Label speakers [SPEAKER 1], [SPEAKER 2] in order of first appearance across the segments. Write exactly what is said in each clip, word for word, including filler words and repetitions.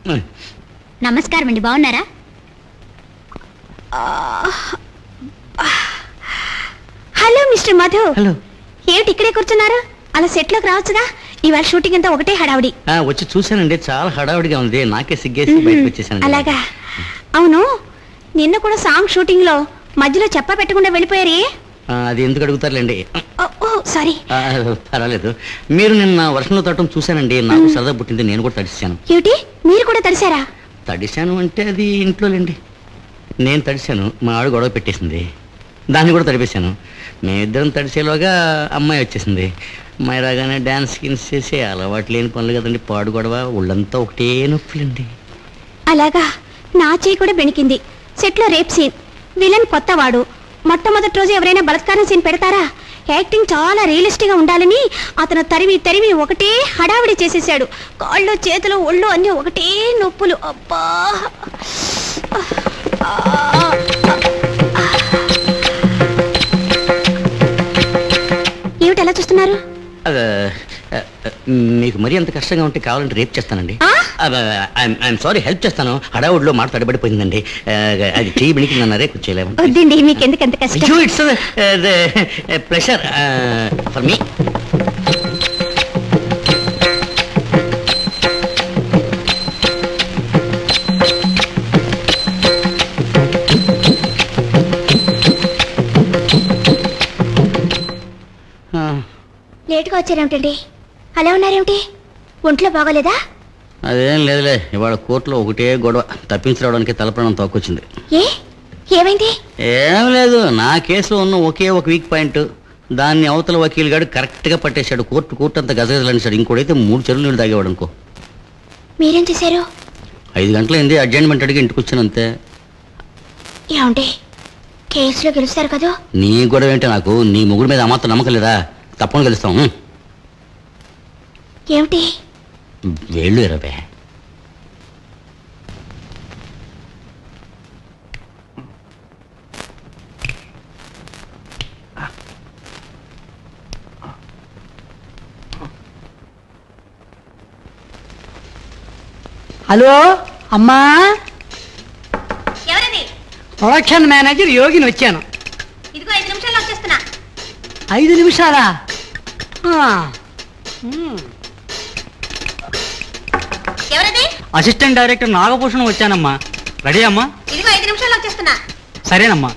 [SPEAKER 1] నమస్కారం అండి, బాగున్నారా? Hello mister Madhu.
[SPEAKER 2] హలో.
[SPEAKER 1] ఏమిటి ఇక్కడే కూర్చున్నారు? అలా సెట్ లోకి రావచ్చుగా. ఇవాళ షూటింగ్ అంతా ఒకటే హడావుడి.
[SPEAKER 2] వచ్చి చూశానండి, చాలా హడావుడిగా ఉంది. నాకే సిగ్గేసి బయటకు వచ్చేసాను.
[SPEAKER 1] అలాగా? అవును, నిన్న కూడా సాంగ్ షూటింగ్ లో మధ్యలో చెప్ప పెట్టకుండా వెళ్ళిపోయారు.
[SPEAKER 2] అది ఎందుకు అడుగుతారులేండి.
[SPEAKER 1] సారీ.
[SPEAKER 2] పర్వాలేదు. మీరు నిన్న వర్షంలో తడటం చూశానండి, నాకు సరదా పుట్టింది. నేను కూడా తడిశాను.
[SPEAKER 1] ఏమిటి, మీరు కూడా తడిశారా?
[SPEAKER 2] తడిశాను అంటే అది ఇంట్లోలేండి. నేను తడిశాను, మా ఆవిడ గొడవ పెట్టేసింది, దాన్ని కూడా తడిపేశాను. మేమిద్దరం తడిసేలోగా అమ్మాయి వచ్చేసింది. అమ్మాయి రాగానే డ్యాన్స్ గిన్స్ చేసి అలవాటు లేని పనులు కదండి, పాడు గొడవ, ఒళ్ళంతా ఒకటే నొప్పులండి.
[SPEAKER 1] అలాగా? నా చేయి కూడా బెణికింది. సెట్ లో రేప్ సీన్, విలన్ కొత్తవాడు. మొట్టమొదటి రోజు ఎవరైనా బలత్కారం సీన్ పెడతారా? యాక్టింగ్ చాలా రియలిస్టిక్ గా ఉండాలని అతను తరిమి తరిమి ఒకటే హడావిడి చేసేసాడు. కాళ్ళు చేతులు ఒళ్ళు అన్ని ఒకటే నొప్పులు. అబ్బా, ఏమిటి అలా చూస్తున్నారు?
[SPEAKER 2] మీకు మరీ అంత కష్టంగా ఉంటే కావాలంటే రేపు చేస్తానండి. ఐఎమ్ సారీ, హెల్ప్ చేస్తాను. హడావుడిలో మాట తడబడిపోయిందండి. అది చెయ్యి బెణికిందన్నారే, కూర్చోలేము.
[SPEAKER 1] వద్దండి, మీకు ఎందుకు అంత కష్టం?
[SPEAKER 2] It's pressure for me.
[SPEAKER 1] లేటుగా వచ్చారేమిటండి? అలా ఉన్నారేమిటి? ఒంట్లో బాగోలేదా?
[SPEAKER 2] అదేం లేదులే, ఇవాళ కోర్టులో ఒకటే గొడవ. తప్పించడానికి తలప్రాణం తోకొచ్చింది.
[SPEAKER 1] ఏ ఏమైంది?
[SPEAKER 2] ఏం లేదు, నా కేసులో ఉన్న ఒకే ఒక వీక్ పాయింట్, దాన్ని అవతల వకీల్ గారు కరెక్ట్ గా పట్టేశాడు. కోర్టు కోర్టు అంతా గజగజలనిశాడు. ఇంకోటైతే మూడు చెరువులు నీళ్ళు తాగేవాడు అనుకో.
[SPEAKER 1] మీరేం చేశారు?
[SPEAKER 2] ఐదు గంటలైంది, అడ్జైన్మెంట్ అడిగి ఇంటికి వచ్చాను అంతే.
[SPEAKER 1] ఏమండి, కేసులో గెలుస్తారు కదా?
[SPEAKER 2] నీ గొడవ ఏంటి నాకు? నీ ముగ్గురు మీద అమాత్రం నమ్మకం లేదా? తప్పని గెలుస్తాం.
[SPEAKER 1] ఏమిటి?
[SPEAKER 2] వేళ్ళు ఇరవై.
[SPEAKER 3] హలో అమ్మా,
[SPEAKER 1] ఎవరది?
[SPEAKER 3] ప్రొడక్షన్ మేనేజర్ యోగిని వచ్చాను.
[SPEAKER 1] ఇదిగో ఐదు నిమిషాల్లో వచ్చేస్తున్నా.
[SPEAKER 3] ఐదు నిమిషాలా?
[SPEAKER 1] ఎవరది?
[SPEAKER 3] అసిస్టెంట్ డైరెక్టర్ నాగభూషణం వచ్చానమ్మా. రెడీ అమ్మా?
[SPEAKER 1] ఇదిగో ఐదు నిమిషాల్లో వచ్చేస్తున్నా.
[SPEAKER 3] సరేనమ్మా.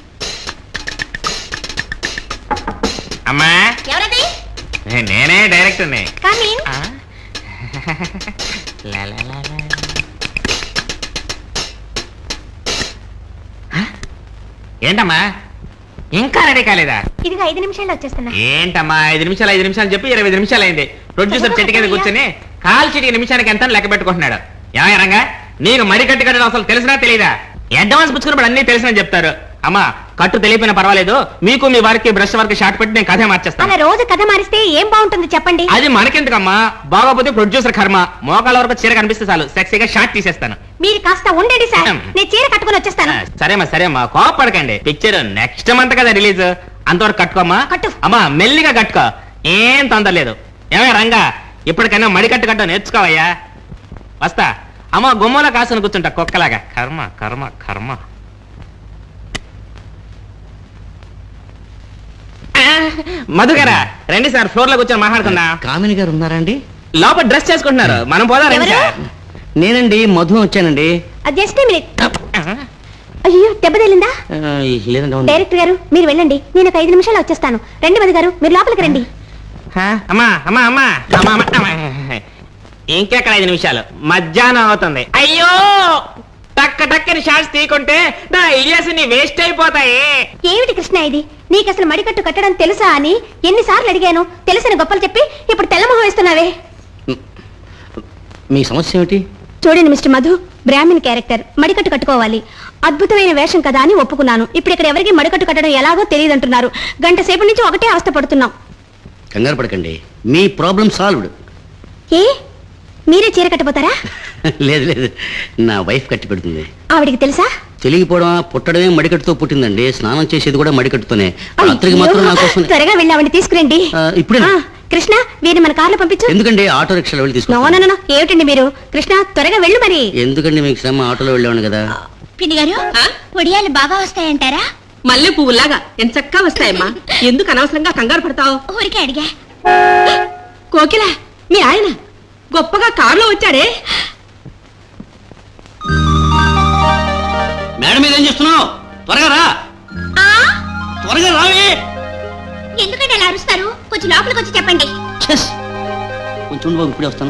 [SPEAKER 4] అమ్మా,
[SPEAKER 1] ఎవరది?
[SPEAKER 4] నేనే డైరెక్టర్ని.
[SPEAKER 1] కానీ
[SPEAKER 4] ఏంటమ్మా ఇంకా రెడీ కాలేదా?
[SPEAKER 1] ఇదిగో ఐదు నిమిషాల్లో వచ్చేస్తున్నా.
[SPEAKER 4] ఏంటమ్మా ఐదు నిమిషాలు ఐదు నిమిషాలు చెప్పి ఇరవై ఐదు నిమిషాలు అయింది. ప్రొడ్యూసర్ చెట్టు కింద కూర్చొని కాల్ చిటికి నిమిషానికి ఎంత లెక్క పెట్టుకుంటున్నాడు. ఏమయ్య రంగా, నీకు మడి కట్టు కట్టడం అసలు తెలిసినా తెలీదా? అడ్వాన్స్ పుచ్చుకున్నప్పుడు అన్ని తెలిసినా చెప్తారు. అమ్మా, కట్టు తెలియపోయినా పర్వాలేదు, మీకు మీ వారికి బ్రష్ వర్క్ షార్ట్ పెట్టి నేను కథ మార్చేస్తాను.
[SPEAKER 1] అలా రోజు కథ మారిస్తే ఏం బాగుంటుంది చెప్పండి?
[SPEAKER 4] అది మనకెందుకమ్మా, బాగోపోతే ప్రొడ్యూసర్ కర్మ. మోకాళ్ళ వరకు చీర కనిపిస్తే చాలు, సెక్సీగా షార్ట్ తీసేస్తాను.
[SPEAKER 1] మీరు కాస్త ఉండండి సార్, నేను చీర కట్టుకుని వచ్చేస్తాను.
[SPEAKER 4] సరేమ్మా సరేమ్మా, కోపడకండి. పిక్చర్ నెక్స్ట్ మంత్ కదా రిలీజ్, అంతవరకు కట్టుకోమ్మా.
[SPEAKER 1] కట్టు.
[SPEAKER 4] అమ్మా మెల్లిగా కట్టుకో, ఏం తొందర లేదు. ఏమే రంగా, ఇప్పటికైనా మడి కట్టు కట్ట నేర్చుకోవయ్యా. వస్తా. అమ్మ గుమ్మలో కాసుని కూర్చుంటా కుక్కలాగా. కర్మ కర్మ కర్మ. మధుగారా రండి సార్, ఫ్లోర్ లో కూర్చొని మాట్లాడుతున్నా.
[SPEAKER 2] కామిని గారు ఉన్నారా అండి?
[SPEAKER 4] లోపల డ్రెస్ చేసుకుంటున్నారు, మనం పోదా రండి సార్.
[SPEAKER 2] నేనండి, మధు వచ్చానండి.
[SPEAKER 1] అది జస్ట్ మినిట్. అయ్యో, దెబ్బ తగిలిందా? డైరెక్టర్ గారు మీరు వెళ్ళండి, నేను ఒక ఐదు నిమిషాలు వచ్చేస్తాను. రండి మధు గారు, మీరు లోపలికి రండి.
[SPEAKER 4] అమ్మా అమ్మా అమ్మా అమ్మా, ఇంకెక్కడ ఐదు నిమిషాలు, మధ్యాహ్నం అవుతుంది. అయ్యో, టక్క టక్కని షాట్స్ తీకుంటే నా ఐడియాస్ ని వేస్ట్ అయిపోతాయి.
[SPEAKER 1] ఏమిటి కృష్ణ ఇది? నీకు అసలు మడికట్టు కట్టడం తెలుసా అని ఎన్నిసార్లు అడిగాను. తెలిసిన గొప్పలు చెప్పి ఇప్పుడు తెల్లమొహం వేస్తున్నావే.
[SPEAKER 2] మీ సమస్య ఏమిటి?
[SPEAKER 1] చూడండి మిస్టర్ మధు, బ్రాహ్మణ్ క్యారెక్టర్, మడికట్టు కట్టుకోవాలి. అద్భుతమైన వేషం కదా అని ఒప్పుకున్నాను. ఇప్పుడు ఇక్కడ ఎవరికి మడికట్టు కట్టడం ఎలాగో తెలియదు అంటున్నారు. గంట సేపు నుంచి ఒకటే అవస్థ పడుతున్నాం.
[SPEAKER 2] కంగారు పడకండి, మీ ప్రాబ్లం సాల్వ్డ్.
[SPEAKER 1] ఏ మీరే చీర కట్టబోతారా?
[SPEAKER 2] లేదు లేదు, నా వైఫ్ కట్టి పెడుతుంది.
[SPEAKER 1] ఆవిడికి తెలుసా?
[SPEAKER 2] తెలియకపోవడం, పుట్టడమే మడికట్టుతో పుట్టిందండి. స్నానం చేసేది కూడా మడికట్టుతోనే. రాత్రికి మాత్రం నా కోసం
[SPEAKER 1] త్వరగా వెళ్ళి ఆవిడ తీసుకురండి.
[SPEAKER 2] ఇప్పుడే
[SPEAKER 1] కృష్ణ వీరిని మన కార్లో పంపించు.
[SPEAKER 2] ఎందుకండి ఆటో రిక్షాలో వెళ్ళి
[SPEAKER 1] నో
[SPEAKER 2] తీసుకుంటాను.
[SPEAKER 1] నో నో ఏమిటండి మీరు? కృష్ణ త్వరగా వెళ్ళు మరి.
[SPEAKER 2] ఎందుకండి మీకు శ్రమ, ఆటోలో వెళ్ళేవాడు కదా.
[SPEAKER 1] పిన్ని గారు ఒడియాలు బాగా వస్తాయంటారా?
[SPEAKER 5] మల్లె పువ్వులాగా ఎంత చక్కగా వస్తాయమ్మా. ఎందుకు అనవసరంగా కంగారు పడతావు?
[SPEAKER 1] ఊరికే అడిగా.
[SPEAKER 5] కోకిల, మీ ఆయన గొప్పగా కారులో వచ్చాడే.
[SPEAKER 2] మేడం మీద ఏం చేస్తున్నావు? త్వరగా రా, త్వరగా రావే.
[SPEAKER 1] ఎందుకంటే అలా అరుస్తారు? కొంచెం లోపలికి వచ్చి చెప్పండి.
[SPEAKER 2] చెస్ కొంచెం ఉండు బాబు, ఇప్పుడే వస్తాను.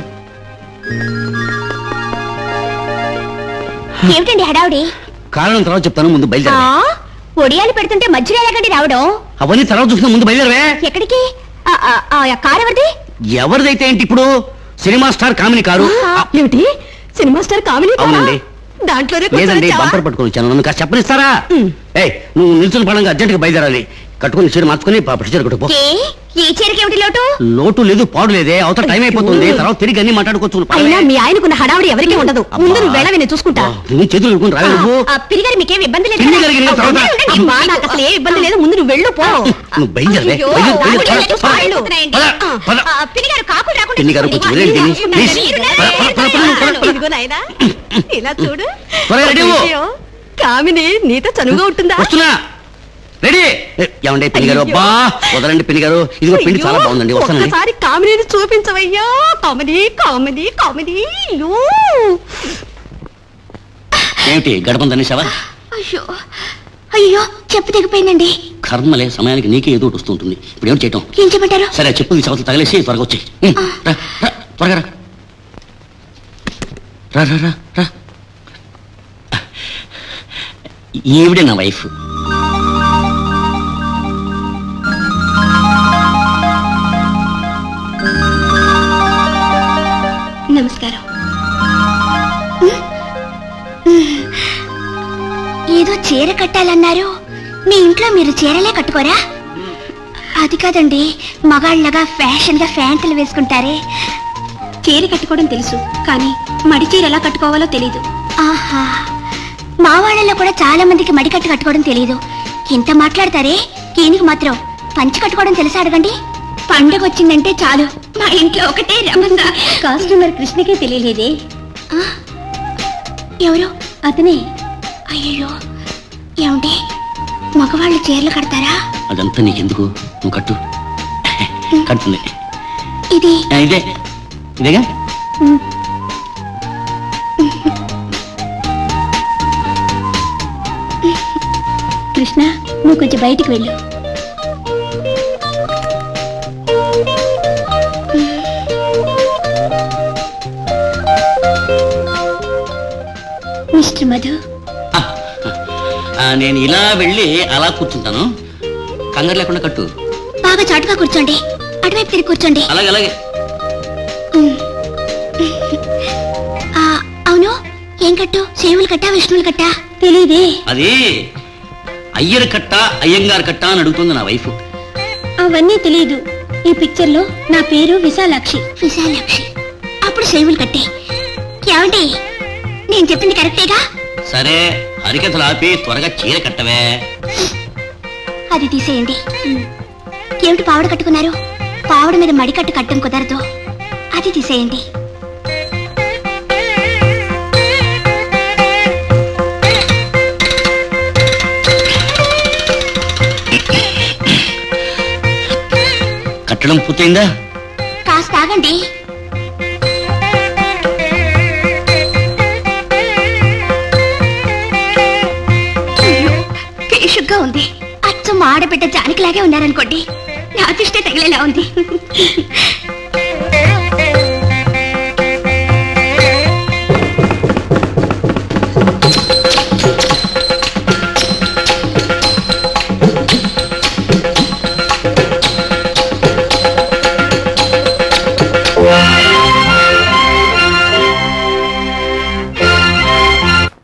[SPEAKER 1] ఏమిటండి హడావుడి?
[SPEAKER 2] కారణం తర్వాత చెప్తాను, ముందు బయలుదేరా.
[SPEAKER 1] ఒడియాలు పెడుతుంటే మధ్యలో ఎలాగండి రావడం?
[SPEAKER 2] అవన్నీ తర్వాత చూసుకున్నా, ముందు బయలుదేరవే.
[SPEAKER 1] ఎక్కడికి? ఆ, ఆ, ఆ, ఆ కారు ఎవరిది?
[SPEAKER 2] ఎవరిదైతే ఏంటి, ఇప్పుడు సినిమా స్టార్ కామిని కారు.
[SPEAKER 1] ఏమిటి సినిమా స్టార్ కామిని?
[SPEAKER 2] అవునండి.
[SPEAKER 1] దాంట్లోనే
[SPEAKER 2] లేదండి, బంపర్ పట్టుకొని వచ్చాను. నన్ను కాస్త చెప్పనిస్తారా? ఏ నువ్వు నిల్చుని పడంగా అర్జెంట్గా బయలుదేరాలి. కట్టుకుని చీర మార్చుకుని చీర కట్టుకో.
[SPEAKER 1] ఈ చీరకి ఏమిటి లోటు?
[SPEAKER 2] లోటు లేదు, పాడు లేదే. అవతల టైం అయిపోతుంది, తర్వాత తిరిగి అన్ని మాట్లాడుకోవచ్చు.
[SPEAKER 1] అయినా మీ ఆయనకున్న హడావుడి ఎవరికీ ఉండదు. ముందు నువ్వు వెళ్ళవి, నేను చూసుకుంటా.
[SPEAKER 2] నువ్వు చేతులు కట్టుకుని రావే నువ్వు.
[SPEAKER 1] పిరిగారు మీకేం ఇబ్బంది లేదు
[SPEAKER 2] పిన్ని
[SPEAKER 1] కదా?
[SPEAKER 2] గారికి నేను తర్వాత-
[SPEAKER 1] ఉండండి, ఉండండి. మా నాకు అసలు ఏ ఇబ్బంది లేదు. ముందు నువ్వు వెళ్ళు పో.
[SPEAKER 2] నువ్వు బయలుదేరవే.
[SPEAKER 1] అయ్యో,
[SPEAKER 2] బయలుదేరు, బయలుదేరు.
[SPEAKER 1] ఆవిడ
[SPEAKER 2] పద, పద,
[SPEAKER 1] వెళ్ళు.
[SPEAKER 2] పద, పద.
[SPEAKER 1] ఆ, పిరిగారు కాకులు రాకుండా
[SPEAKER 2] పిన్ని గారు కొంచెం వెళ్ళండి, పిన్ని.
[SPEAKER 1] చూసుకోండి.
[SPEAKER 2] ప్లీజ్.
[SPEAKER 1] మీరున్నారే.
[SPEAKER 2] పద, పద, పద, పద, పద.
[SPEAKER 1] ఇదిగో నాయనా, ఇలా చూడు.
[SPEAKER 2] త్వరగా రెడీ అవ్వు.
[SPEAKER 1] అయ్యో, కామిని నీతో చనువుగా ఉంటుందా?
[SPEAKER 2] వస్తున్నా, రెడీ. ఏ, ఏమండి పిన్ని గారు? అబ్బా వదలండి పిన్ని గారు. ఇదిగో పిండి చాలా బాగుందండి, వస్తానండి.
[SPEAKER 1] ఒక్కసారి కామినీని చూపించవయ్యా. Comedy comedy comedy. అయ్యో
[SPEAKER 2] ఏమిటి గడపం తనేసావా?
[SPEAKER 1] అయ్యో అయ్యో చెప్పు తెగిపోయిందండి.
[SPEAKER 2] కర్మలే, సమయానికి నీకే ఏదో ఒకటి వస్తుంటుంది. ఇప్పుడు ఏమిటి చేయటం?
[SPEAKER 1] ఏం చెప్పంటారు?
[SPEAKER 2] సరే ఆ చెప్పులు చవతలు తగలేసి త్వరగా వచ్చి రా రా, త్వరగా రా. రా రా రా రా. ఈవిడే నా వైఫ్.
[SPEAKER 1] నమస్కారం. ఏదో చీర కట్టాలన్నారు. మీ ఇంట్లో మీరు చీరలే కట్టుకోరా? అది కాదండి, మగాళ్ళగా ఫ్యాషన్ గా ఫ్యాంట్లు వేసుకుంటారే. చీర కట్టుకోవడం తెలుసు, కానీ మడి చీర ఎలా కట్టుకోవాలో తెలీదు. ఆహా, మా వాళ్ళలో కూడా చాలా మందికి మడి కట్టు కట్టుకోవడం తెలీదు. ఇంత మాట్లాడతారే, ఈయనకి మాత్రం పంచి కట్టుకోవడం తెలుసా అడగండి. పండుగ వచ్చిందంటే చాలు మా ఇంట్లో ఒకటే రమస. కస్టమర్ కృష్ణకే తెలియలేదే. ఎవరు? అతనే. అయ్యో, ఏమంటే మగవాళ్ళు చీరలు కడతారా?
[SPEAKER 2] అదంతా నీకెందుకు, నువ్వు కట్టు. కడుతుంది.
[SPEAKER 1] ఇది
[SPEAKER 2] ఆ, ఇదే ఇదేగా.
[SPEAKER 1] కృష్ణ, నువ్వు కొంచెం బయటికి వెళ్ళు. మిస్టర్ మధు,
[SPEAKER 2] ఆ, ఆ, నేను ఇలా వెళ్ళి అలా కూర్చుంటాను. కంగారు లేకుండా కట్టు.
[SPEAKER 1] బాగా చాటుగా కూర్చోండి. అటువైపు తిరిగి కూర్చోండి.
[SPEAKER 2] అలాగే అలాగే.
[SPEAKER 1] ఆ, అవును, ఏం కట్టు? శైవులు కట్టా విష్ణువులు కట్టా? తెలీదే.
[SPEAKER 2] అది అయ్యర్ కట్ట అయ్యంగారు కట్ట అని అడుగుతుంది నా వైఫ్.
[SPEAKER 1] అవన్నీ తెలియదు. ఈ పిక్చర్ లో నా పేరు విశాలాక్షి. విశాలాక్షి అప్పుడు శైవులు కట్టే. ఏమండి, నేను చెప్పింది కరెక్టేగా?
[SPEAKER 2] సరే హరికథలు ఆపి త్వరగా చీర కట్టవే.
[SPEAKER 1] అది తీసేయండి. ఏమిటి పావడ కట్టుకున్నారు? పావడ మీద మడికట్టు కట్టం కుదరదు. అది తీసేయండి.
[SPEAKER 2] కట్టడం పూర్తయిందా?
[SPEAKER 1] కాస్త ఆగండి. పేషుగ్గా ఉంది. అచ్చం ఆడబిడ్డ జానకిలాగే ఉన్నారనుకోండి. నా దృష్టి తగిలేలా ఉంది.